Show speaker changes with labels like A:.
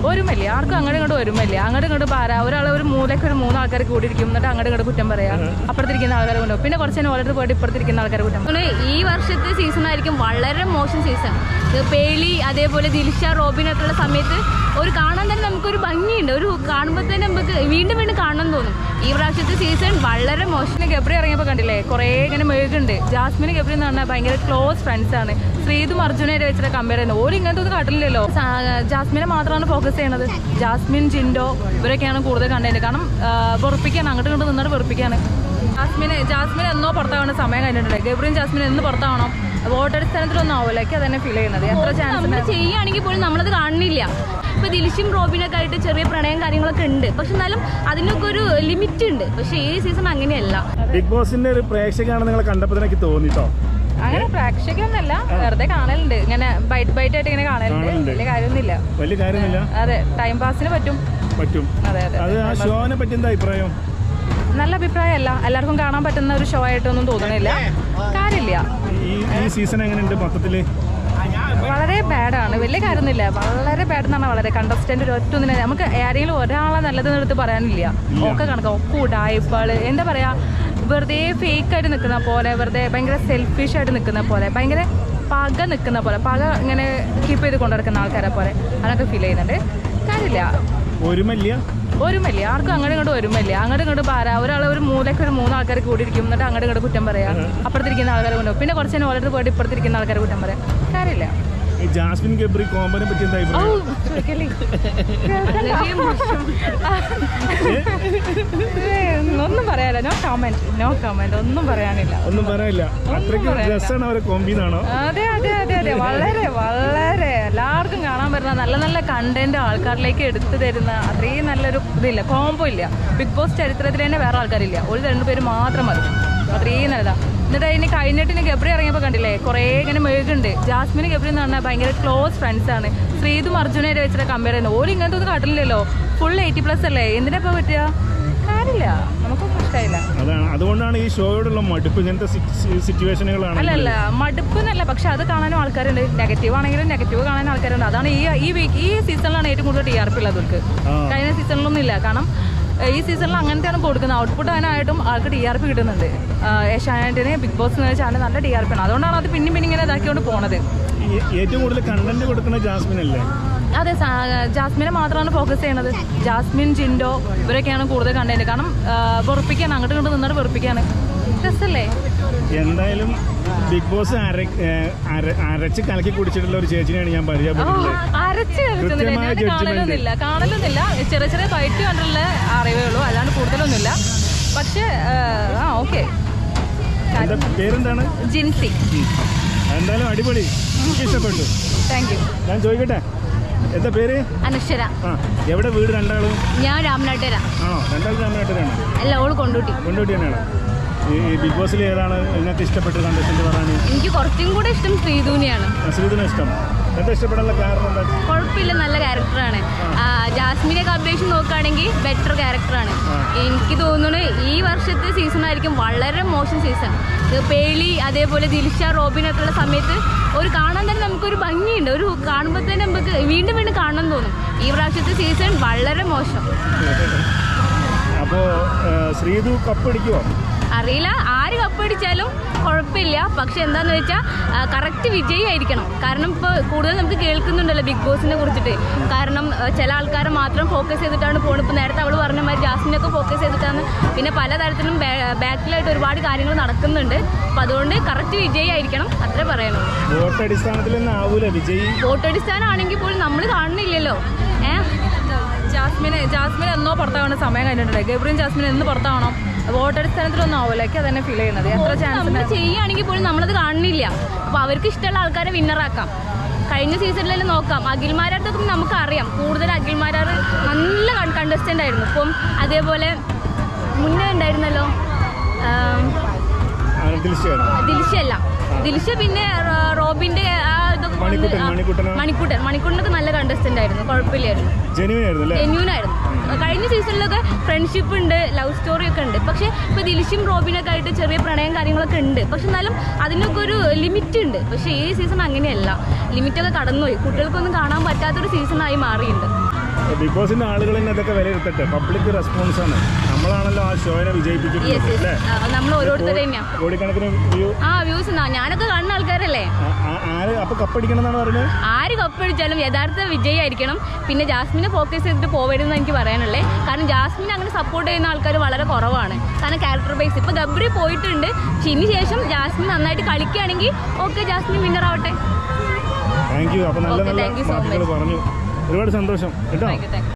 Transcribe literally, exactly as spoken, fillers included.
A: ഒരുമല്ല, ആർക്കും അങ്ങോട്ടും ഇങ്ങോട്ടും ഒരുമല്ല. അങ്ങോട്ടും ഇങ്ങോട്ടും പാരാ, ഒരാൾ ഒരു മൂലയ്ക്ക് ഒരു മൂന്ന് ആൾക്കാർ കൂടിയിരിക്കും, എന്നിട്ട് അങ്ങോട്ടും ഇങ്ങോട്ട് കുറ്റം പറയാം. അപ്പുറത്തിരിക്കുന്ന ആൾക്കാരെ കൊണ്ടുപോകും, പിന്നെ കുറച്ച് നേരം ഓരോരുത്തർ പോയിട്ട് ഇപ്പുറത്തിരിക്കുന്ന ആൾക്കാരെ കുറ്റം.
B: ഈ വർഷത്തെ സീസൺ ആയിരിക്കും വളരെ മോശം സീസൺ. പേളി അതേപോലെ ദിൽഷ റോബിനൊക്കെ ഉള്ള സമയത്ത് ഒരു കാണാൻ തന്നെ നമുക്കൊരു ഭംഗിയുണ്ട്, ഒരു കാണുമ്പോൾ തന്നെ നമുക്ക് വീണ്ടും വീണ്ടും കാണണം തോന്നും. ഈ പ്രാവശ്യത്തെ സീസൺ വളരെ മോശം.
A: ഗബ്രി ഇറങ്ങിയപ്പോൾ കണ്ടില്ലേ, കുറേ ഇങ്ങനെ മെഴുകുണ്ട്. ജാസ്മിന് ഗബ്രി എന്ന് പറഞ്ഞാൽ ഭയങ്കര ക്ലോസ് ഫ്രണ്ട്സ് ആണ്. ശ്രീതും അർജുനായിട്ട് വെച്ചിട്ട് കമ്പയർ ചെയ്യുന്നത്. ഓരോ ഇങ്ങനത്തെ ഒന്നും കാട്ടില്ലല്ലോ. ജാസ്മിനെ മാത്രമാണ് ഫോക്കസ് ചെയ്യണത്. ജാസ്മിൻ, ജിൻഡോ ഇവരൊക്കെയാണ് കൂടുതൽ കണ്ടത്. കാരണം വെറുപ്പിക്കാണ്, അങ്ങോട്ട് ഇങ്ങോട്ട് നിന്നിട്ട് വെറുപ്പിക്കാണ്. ജാസ്മിന് ജാസ്മിൻ എന്നോ പുറത്താവണ സമയം കഴിഞ്ഞിട്ടുണ്ട്. ഗബ്രിയും ജാസ്മിൻ എന്ന് പുറത്താവണം, വോട്ടടിസ്ഥാനത്തിലൊന്നും ആവില്ലേക്ക് അതന്നെ ഫീൽ ചെയ്യുന്നത്. എത്ര ചാൻസ്
B: ചെയ്യുകയാണെങ്കിൽ പോലും നമ്മളത് കാണുന്നില്ല. ഇപ്പൊ ദിൽഷയും റോബിനൊക്കെ ആയിട്ട് ചെറിയ പ്രണയം കാര്യങ്ങളൊക്കെ ഉണ്ട്, പക്ഷെ എന്നാലും അതിനൊക്കെ ഒരു ലിമിറ്റ് ഉണ്ട്. പക്ഷെ ഈ സീസൺ അങ്ങനെയല്ല.
C: ബിഗ് ബോസിന്റെ ഒരു പ്രേക്ഷകനാണ് നിങ്ങൾ കണ്ടപ്പോൾ എനിക്ക് തോന്നിട്ടോ.
A: അങ്ങനെ പ്രേക്ഷകൊന്നല്ല, വെറുതെ കാണലുണ്ട്, ഇങ്ങനെ ബൈറ്റ് ബൈറ്റ് ആയിട്ട് ഇങ്ങനെ കാണലുണ്ട്. വലിയ കാര്യമൊന്നുമില്ല,
C: വലിയ കാര്യമില്ല.
A: അതെ, ടൈം പാസിന് പറ്റും പറ്റും അതെ അതെ.
C: അത് ആ ഷോനെ പറ്റി എന്താ അഭിപ്രായം?
A: നല്ല അഭിപ്രായമല്ല, എല്ലാവർക്കും കാണാൻ പറ്റുന്ന ഒരു ഷോ ആയിട്ടൊന്നും തോന്നണില്ല. കാര്യമില്ല.
C: ഈ സീസൺ എങ്ങനെയുണ്ട് മൊത്തത്തില്?
A: വളരെ ബാഡാണ്, വലിയ കാര്യമൊന്നുമില്ല. വളരെ ബാഡ് എന്നാണ്. വളരെ കണ്ടസ്റ്റന്റ് ഒരു ഒറ്റ ഒന്നിനെ നമുക്ക് ആരെങ്കിലും ഒരാളെ നല്ലതെന്ന് എടുത്ത് പറയാനില്ല. ഒക്കെ കണക്കാം, ഒക്കെ ഉടായ്പാള്, എന്താ പറയാ, വെറുതെ ഫേക്ക് ആയിട്ട് നിൽക്കുന്ന പോലെ, വെറുതെ ഭയങ്കര സെൽഫിഷ് ആയിട്ട് നിൽക്കുന്ന പോലെ, ഭയങ്കര പക നിൽക്കുന്ന പോലെ, പക ഇങ്ങനെ കീപ്പ് ചെയ്ത് കൊണ്ടുനടക്കുന്ന ആൾക്കാരെ പോലെ അതൊക്കെ ഫീൽ ചെയ്യുന്നുണ്ട്. കാര്യമില്ല.
C: ഒരുമല്ല
A: ഒരുമല്ല, ആർക്കും അങ്ങോട്ടും ഇങ്ങോട്ടും ഒരുമല്ല. അങ്ങോട്ടും ഇങ്ങോട്ടും പാരാ, ഒരാൾ ഒരു മൂലയ്ക്ക് ഒരു മൂന്ന് ആൾക്കാർ കൂടിയിരിക്കും, എന്നിട്ട് അങ്ങോട്ടും ഇങ്ങോട്ട് കുറ്റം പറയാം. അപ്പുറത്തിരിക്കുന്ന ആൾക്കാരെ കൊണ്ടുപോകും, പിന്നെ കുറച്ച് നേരം ഓരോരുത്തർ പോയിട്ട് ഇപ്പുറത്തിരിക്കുന്ന ആൾക്കാരെ കുറ്റം പറയാം. കാര്യമില്ല.
C: ജാസ്മിൻ ഗബ്രി കോമ്പനെ പറ്റി എന്താ
A: ഒന്നും പറയാനില്ല. നോ കമന്റ്, നോ കമന്റ്, ഒന്നും പറയാനില്ല,
C: ഒന്നും പറയാനില്ല. രസമാണ് അവരെ കോമ്പിന്നാണോ?
A: അതെ അതെ അതെ അതെ, വളരെ വളരെ എല്ലാവർക്കും കാണാൻ പറ്റുന്ന നല്ല നല്ല കണ്ടന്റ് ആൾക്കാരിലേക്ക് എടുത്തു തരുന്ന അത്രയും നല്ലൊരു ഇതില്ല, കോംബോ ഇല്ല. ബിഗ് ബോസ് ചരിത്രത്തിൽ തന്നെ വേറെ ആൾക്കാരില്ല, ഒരു രണ്ടുപേര് മാത്രം മതി, അത്രയും നല്ലതാ. എന്നിട്ട് അതിന് കഴിഞ്ഞിട്ട് ഗബ്രി ഇറങ്ങിയപ്പോൾ കണ്ടില്ലേ, കുറേ ഇങ്ങനെ മെഴുകുണ്ട്. ജാസ്മിന് ഗബ്രി എന്ന് പറഞ്ഞാൽ ഭയങ്കര ക്ലോസ് ഫ്രണ്ട്സ് ആണ്. ശ്രീതും അർജുനായിട്ട് വെച്ചിട്ട് കമ്പയർ ചെയ്യുന്നത്. ഓരോ ഇങ്ങനത്തെ ഒന്നും കാട്ടില്ലല്ലോ. ഫുൾ എയ്റ്റി പ്ലസ് അല്ലേ, എന്തിനാ ഇപ്പോൾ പറ്റുക? കാര്യമില്ല, നമുക്കൊന്നും ഇഷ്ടമായില്ല.
C: അതാണ്, അതുകൊണ്ടാണ് ഈ ഷോയോടുള്ള മടുപ്പ്. ഇങ്ങനത്തെ സിറ്റുവേഷനുകളാണ്.
A: അല്ലല്ല, മടുപ്പ് എന്നല്ല, പക്ഷെ അത് കാണാനും ആൾക്കാരുണ്ട്. നെഗറ്റീവ് ആണെങ്കിലും നെഗറ്റീവ് കാണാൻ ആൾക്കാരുണ്ട്. അതാണ് ഈ ഈ വീക്ക് ഈ സീസണിലാണ് ഏറ്റവും കൂടുതൽ ടി ആർ പി ഉള്ളത് അവർക്ക്. കഴിഞ്ഞ സീസണിലൊന്നും ഇല്ല. കാരണം ഈ സീസണിൽ അങ്ങനത്തെയാണ് കൊടുക്കുന്നത്. ഔട്ട്പുട്ട് അതിനായിട്ടും ആൾക്ക് ടി ആർ പി കിട്ടുന്നുണ്ട്. ഏഷ്യാനെറ്റിന് ബിഗ് ബോസ് എന്ന് വെച്ചാൽ നല്ല ടി ആർ പി ആണ്. അതുകൊണ്ടാണ് അത് പിന്നെയും പിന്നെ ഇങ്ങനെ ഇതാക്കിക്കൊണ്ട് പോണത്.
C: ഏറ്റവും കൂടുതൽ കണ്ടന്റ് കൊടുക്കുന്ന ജാസ്മിൻ അല്ലേ?
A: അതെ, ജാസ്മിനെ മാത്രമാണ് ഫോക്കസ് ചെയ്യണത്. ജാസ്മിൻ, ജിൻഡോ ഇവരൊക്കെയാണ് കൂടുതൽ കണ്ടന്റ്. കാരണം വെറുപ്പിക്കാണ്, അങ്ങോട്ട് ഇങ്ങോട്ട് നിന്നിട്ട് വെറുപ്പിക്കാണ്. രസല്ലേ?
C: എന്തായാലും ബിഗ് ബോസ് അരച്ച് കലക്കി കുടിച്ചിട്ടുള്ള ഒരു ചേച്ചിനെയാണ് ഞാൻ പരിചയപ്പെടുന്നത്.
A: അരച്ച് കാണലൊന്നുമില്ല കാണലൊന്നുമില്ല ചെറിയ ചെറിയ ഫൈറ്റ് കണ്ടുള്ള അറിവേ ഉള്ളൂ, അല്ലാണ്ട് കൂടുതലൊന്നുമില്ല. പക്ഷേ ആ ഓക്കെ.
C: പേരെന്താണ്?
A: ജിൻസി.
C: എന്തായാലും അടിപൊളി, എനിക്ക് ഇഷ്ടപ്പെട്ടു.
A: Thank you.
C: ഞാൻ ചോദിക്കട്ടെ, എന്താ പേര്?
B: അനശ്വര.
C: ആ, എവിടെ വീട് രണ്ടാളും?
B: ഞാൻ രാമനാട്ടുകര.
C: ആണോ? രണ്ടാളും രാമനാട്ടുകരാണ്?
B: അല്ല, ഓള് കൊണ്ടോട്ടി.
C: കൊണ്ടോട്ടി തന്നെയാണ്. ഈ ബിഗ് ബോസിൽ ഏതാണ് നിങ്ങൾക്ക് ഇഷ്ടപ്പെട്ട കണ്ടസ്റ്റന്റ് പറയാൻ?
B: എനിക്ക് കുറച്ചും കൂടെ ഇഷ്ടം ശ്രീധുവിനെയാണ്.
C: ശ്രീധുവിനെ ഇഷ്ടം. എന്താ ഇഷ്ടപ്പെടാനുള്ള കാരണം എന്താ?
B: കുഴപ്പമില്ല, നല്ല ക്യാരക്ടറാണ്. ജാസ്മിനൊക്കെ അപേക്ഷിച്ച് നോക്കുകയാണെങ്കിൽ ബെറ്റർ ക്യാരക്ടറാണ്. എനിക്ക് തോന്നുന്നു ഈ വർഷത്തെ സീസൺ ആയിരിക്കും വളരെ മോശം സീസൺ. പേളി അതേപോലെ ദിൽഷ റോബിനൊക്കെ ഉള്ള സമയത്ത് ഒരു കാണാൻ തന്നെ നമുക്കൊരു ഭംഗിയുണ്ട്, ഒരു കാണുമ്പോൾ തന്നെ നമുക്ക് വീണ്ടും വീണ്ടും കാണണം തോന്നും. ഈ പ്രാവശ്യത്തെ സീസൺ വളരെ മോശം.
C: അപ്പോൾ ശ്രീധു കപ്പടിക്കുമോ?
B: അറിയില്ല, ആര് കപ്പടിച്ചാലും കുഴപ്പമില്ല. പക്ഷെ എന്താണെന്ന് വെച്ചാൽ കറക്റ്റ് വിജയമായിരിക്കണം. കാരണം ഇപ്പോൾ കൂടുതൽ നമുക്ക് കേൾക്കുന്നുണ്ടല്ലോ ബിഗ് ബോസിനെ കുറിച്ചിട്ട്. കാരണം ചില ആൾക്കാരെ മാത്രം ഫോക്കസ് ചെയ്തിട്ടാണ് പോകുന്നത്. ഇപ്പോൾ നേരത്തെ അവൾ പറഞ്ഞ മാതിരി ജാസ്മിനൊക്കെ ഫോക്കസ് ചെയ്തിട്ടാണ്. പിന്നെ പലതരത്തിലും ബാക്കിലായിട്ട് ഒരുപാട് കാര്യങ്ങൾ നടക്കുന്നുണ്ട്. അപ്പോൾ അതുകൊണ്ട് കറക്റ്റ് വിജയമായിരിക്കണം, അത്രേ പറയണുള്ളൂ.
C: വോട്ടടിസ്ഥാനത്തിൽ
B: വോട്ടടിസ്ഥാനം ആണെങ്കിൽ പോലും നമ്മൾ കാണുന്നില്ലല്ലോ. ഏഹ്
A: ജാസ്മിന് ജാസ്മിൻ എന്നോ പുറത്താവണ സമയം കഴിഞ്ഞിട്ടുണ്ട്. ഗബ്രിയും ജാസ്മിൻ എന്ന് പുറത്താവണം, വോട്ടടിസ്ഥാനത്തിലൊന്നും ആവില്ലേക്ക് അതന്നെ ഫീൽ ചെയ്യുന്നത്. എത്ര ചാൻസ്
B: ചെയ്യുകയാണെങ്കിൽ പോലും നമ്മളത് കാണുന്നില്ല. അപ്പോൾ അവർക്ക് ഇഷ്ടമുള്ള ആൾക്കാരെ വിന്നറാക്കാം. കഴിഞ്ഞ സീസണിലെല്ലാം നോക്കാം, അഖിൽമാരാർത്തൊക്കെ നമുക്കറിയാം. കൂടുതൽ അഖിൽമാരാർ നല്ല കണ്ടസ്റ്റൻ്റ് ആയിരുന്നു. ഇപ്പം അതേപോലെ മുന്നേ ഉണ്ടായിരുന്നല്ലോ ദിൽഷയല്ല, ദിൽഷ പിന്നെ റോബിന്റെ ആ ഇതൊക്കെ മണിക്കൂട്ടൻ മണിക്കൂട്ടനൊക്കെ നല്ല കണ്ടസ്റ്റന്റ് ആയിരുന്നു, കുഴപ്പമില്ലായിരുന്നു, ജെന്യൂൻ ആയിരുന്നു. കഴിഞ്ഞ സീസണിലൊക്കെ ഫ്രണ്ട്ഷിപ്പ് ഉണ്ട്, ലവ് സ്റ്റോറി ഒക്കെ ഉണ്ട്. പക്ഷെ ഇപ്പൊ ദിൽഷയും റോബിനൊക്കെ ആയിട്ട് ചെറിയ പ്രണയം കാര്യങ്ങളൊക്കെ ഉണ്ട്. പക്ഷെ എന്നാലും അതിനൊക്കെ ഒരു ലിമിറ്റ് ഉണ്ട്. പക്ഷെ ഈ സീസൺ അങ്ങനെയല്ല, ലിമിറ്റൊക്കെ കടന്നുപോയി. കുട്ടികൾക്കൊന്നും കാണാൻ പറ്റാത്തൊരു സീസണായി മാറിയിട്ടുണ്ട്.
C: ബിഗ് ബോസിന്റെ ആളുകൾ തന്നെ അതൊക്കെ വിലയിരുത്തട്ടെ. പബ്ലിക് റെസ്പോൺസ് ആണ്. നമ്മളാണല്ലോ ആ ഷോനെ വിജയിപ്പിച്ചിട്ടുള്ളത് അല്ലേ?
B: നമ്മൾ ഓരോരുത്തർ തന്നെയാ
C: കോടിക്കണക്കിന് വ്യൂ.
B: ആ വ്യൂസ് ഞാനൊക്കെ കാണുന്ന ആൾക്കാരല്ലേ.
C: ആര് അപ്പൊ കപ്പടിക്കണം എന്നാണ് പറയുന്നത്?
B: ആര് കപ്പടിച്ചാലും യഥാർത്ഥ വിജയമായിരിക്കണം. പിന്നെ ജാസ്മിനെ ഫോക്കസ് ചെയ്തിട്ട് പോവരുതെന്ന് എനിക്ക് പറയാനുള്ളത്. കാരണം ജാസ്മിനെ അങ്ങനെ സപ്പോർട്ട് ചെയ്യുന്ന ആൾക്കാർ വളരെ കുറവാണ്. കാരണം ക്യാരക്ടർ ബേസ് ഇപ്പൊ ഗബ്രി പോയിട്ടുണ്ട്. പക്ഷെ ഇനി ശേഷം ജാസ്മിൻ നന്നായിട്ട് കളിക്കുകയാണെങ്കിൽ ഓക്കെ, ജാസ്മിൻ വിന്നർ ആവട്ടെ.
C: Thank you. അപ്പൊ നല്ല
B: Okay,
C: നല്ല
B: thank you so
C: വാക്കുകൾ
B: much.
C: പറഞ്ഞു. ഒരുപാട് സന്തോഷം കേട്ടോ.
B: Thank you, thank you.